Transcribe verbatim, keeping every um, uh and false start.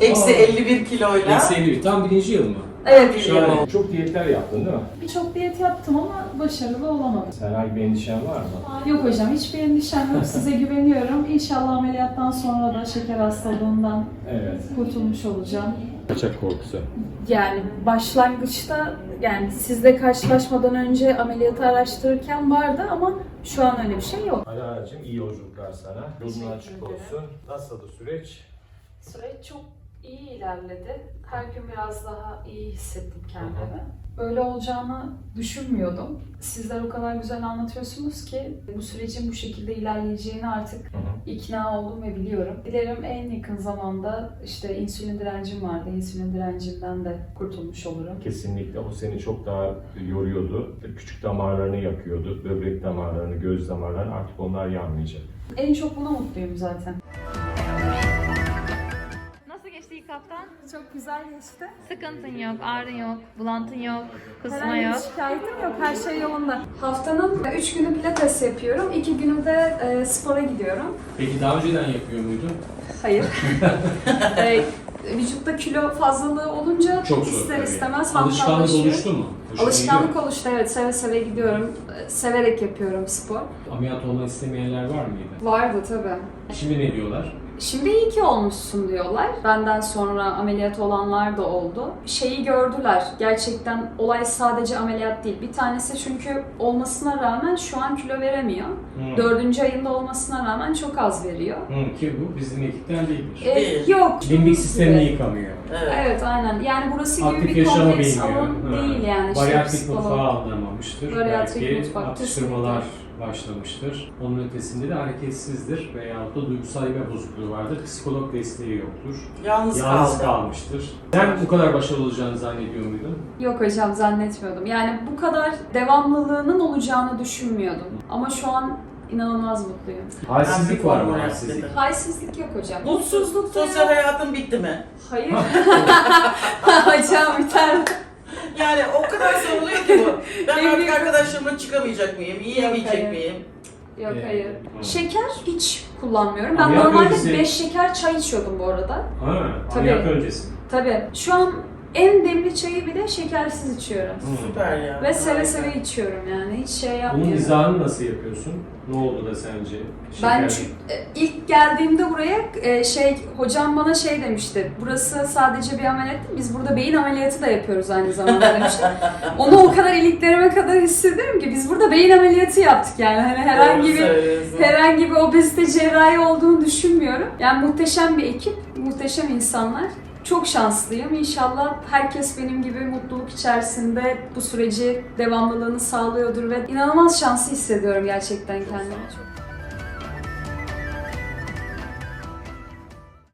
Eksi elli bir kiloyla. Eksi elli bir. Tam birinci yıl mı? Evet. Şahane. Çok diyetler yaptın değil mi? Birçok diyet yaptım ama başarılı olamadım. Herhangi bir endişen var mı? Yok hocam, hiçbir endişem yok. Size güveniyorum. İnşallah ameliyattan sonra da şeker hastalığından Evet. kurtulmuş olacağım. Kaçak korkusu. Yani başlangıçta, yani sizle karşılaşmadan önce ameliyatı araştırırken vardı ama şu an öyle bir şey yok. Alara'cığım iyi yolculuklar sana. Yolun açık ederim. olsun. Nasıldı süreç? Süreç çok iyi ilerledi. Her gün biraz daha iyi hissettim kendimi. Böyle olacağını düşünmüyordum. Sizler o kadar güzel anlatıyorsunuz ki bu sürecin bu şekilde ilerleyeceğini artık Hı hı. ikna oldum ve biliyorum. Dilerim en yakın zamanda işte insülin direncim vardı. İnsülin direncimden de kurtulmuş olurum. Kesinlikle o seni çok daha yoruyordu. Küçük damarlarını yakıyordu. Böbrek damarlarını, göz damarlarını, artık onlar yanmayacak. En çok buna mutluyum zaten. Nasıl geçti ilk haftan? Çok güzel geçti. Sıkıntın yok, ağrın yok, bulantın yok, kusma Herhangi yok. bir şikayetim yok. Her şey yolunda. Haftanın üç günü pilates yapıyorum. iki günü de e, spora gidiyorum. Peki daha önceden yapıyor muydun? Hayır. e, vücutta kilo fazlalığı olunca Çok zor ister tabii. istemez Alışkanlık hantallaşıyor. oluştu mu? Hoşuna Alışkanlık gidiyor. oluştu, evet. Seve seve gidiyorum. E, Severek yapıyorum spor. Ameliyat olmak istemeyenler var mıydı? Vardı tabii. Şimdi ne diyorlar? Şimdi iyi ki olmuşsun diyorlar. Benden sonra ameliyat olanlar da oldu. Şeyi gördüler. Gerçekten olay sadece ameliyat değil. Bir tanesi çünkü olmasına rağmen şu an kilo veremiyor. Hı. Dördüncü ayında olmasına rağmen çok az veriyor. Hı, ki bu bizim ekipten değildir. E, Değil. yok. Limbik sistemini yıkamıyor. Evet. Evet, aynen. Yani burası gibi Aktif bir yaşama kompleks bilmiyor. alan Ha. değil yani. Bariatrik Şeps falan. mutfağı anlamamıştır. Bariatrik Belki mutfak, atıştırmalar başlamıştır. Onun ötesinde de hareketsizdir veyahut da duygusal bir bozukluğu vardır. Psikolog desteği yoktur. Yalnız, Yalnız kaldı. kalmıştır. Sen bu kadar başarılı olacağını zannediyor muydun? Yok hocam, zannetmiyordum. Yani bu kadar devamlılığının olacağını düşünmüyordum. Ama şu an inanılmaz mutluyum. Halsizlik var mı? Ben bir Halsizlik. forma Halsizlik yok hocam. Mutsuzluk, da sosyal yok. hayatın bitti mi? Hayır. Hocam biter. Yani o kadar soruluyor ki bu. Ben Benim- artık arkadaşlarımla çıkamayacak mıyım? Yiyemeyecek hayır. miyim? Yok Ee, hayır. hı. Şeker hiç kullanmıyorum. Ben Ameliyat normalde öncesi- beş şeker çay içiyordum bu arada. Ha, Tabii. ameliyat öncesi. Tabii. Şu an en demli çayı bile şekersiz içiyorum. Hı. Süper ya. Ve seve Harika. seve içiyorum yani. Hiç şey Bunun yapmıyorum. izahını nasıl yapıyorsun? Ne oldu da sence? Ben Şeker- çü- e, ilk geldiğimde buraya e, şey hocam bana şey demişti. Burası sadece bir ameliyat değil. Biz burada beyin ameliyatı da yapıyoruz aynı zamanda demişti. Onu o kadar iliklerime kadar hissediyorum ki biz burada beyin ameliyatı yaptık yani. Hani herhangi Doğru bir söylüyorsun. herhangi bir obezite cerrahi olduğunu düşünmüyorum. Yani muhteşem bir ekip, muhteşem insanlar. Çok şanslıyım. İnşallah herkes benim gibi mutluluk içerisinde bu süreci devamlılığını sağlıyordur ve inanılmaz şanslı hissediyorum gerçekten kendimi. Çok